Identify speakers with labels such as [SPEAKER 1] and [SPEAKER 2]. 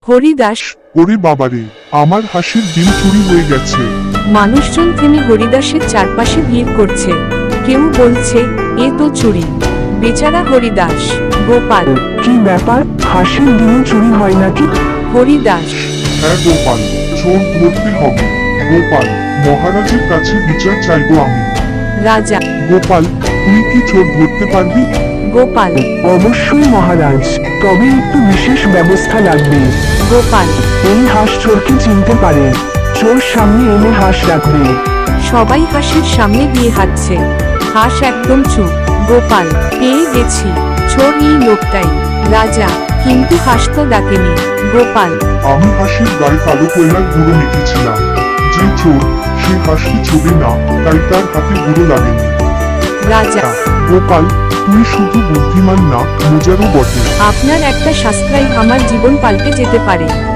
[SPEAKER 1] হরিদাস।
[SPEAKER 2] ওরে বাবারে, আমার হাঁসের ডিম চুরি হয়ে গেছে।
[SPEAKER 1] মানুষজন থেমে হরিদাসের চারপাশে ভিড় করছে। কেউ বলছে, এ তো চুরি। বেচারা হরিদাস। গোপাল।
[SPEAKER 3] কি ব্যাপার, হাঁসের ডিম চুরি হয় নাকি?
[SPEAKER 1] হরিদাস।
[SPEAKER 2] হ্যাঁ গোপাল, চোর ধরতে হবে। গোপাল, মহারাজের কাছে বিচার চাইবো আমি।
[SPEAKER 1] রাজা।
[SPEAKER 2] গোপাল, তুই কি চোর ধরতে পারবি?
[SPEAKER 1] গোপাল।
[SPEAKER 3] অবশ্যই মহারাজ, তবে একটু বিশেষ ব্যবস্থা লাগবে।
[SPEAKER 1] গোপাল।
[SPEAKER 3] এই হাঁস চোরকে চিনতে পারে, চোর সামনে এনে হাঁস রাখবে।
[SPEAKER 1] সবাই হাঁসের সামনে দিয়ে হাঁটছে। হাঁস একদম চুপ। গোপাল। পেয়ে গেছি, চোর এই লোকটাই। রাজা। কিন্তু হাঁস তো ডাকেনি। গোপাল।
[SPEAKER 2] আমি হাঁসের গায়ে কালো কয়লার গুঁড়ো মেখেছিলাম। যে চোর, সে হাঁসকে ছোবে না, তাই তার হাতে গুঁড়ো লাগেনি।
[SPEAKER 1] রাজা।
[SPEAKER 2] গোপাল, তুই শুধু বুদ্ধিমান না, মজারও বটে।
[SPEAKER 1] আপনার একটা সাবস্ক্রাইব আমার জীবন পাল্টে যেতে পারে।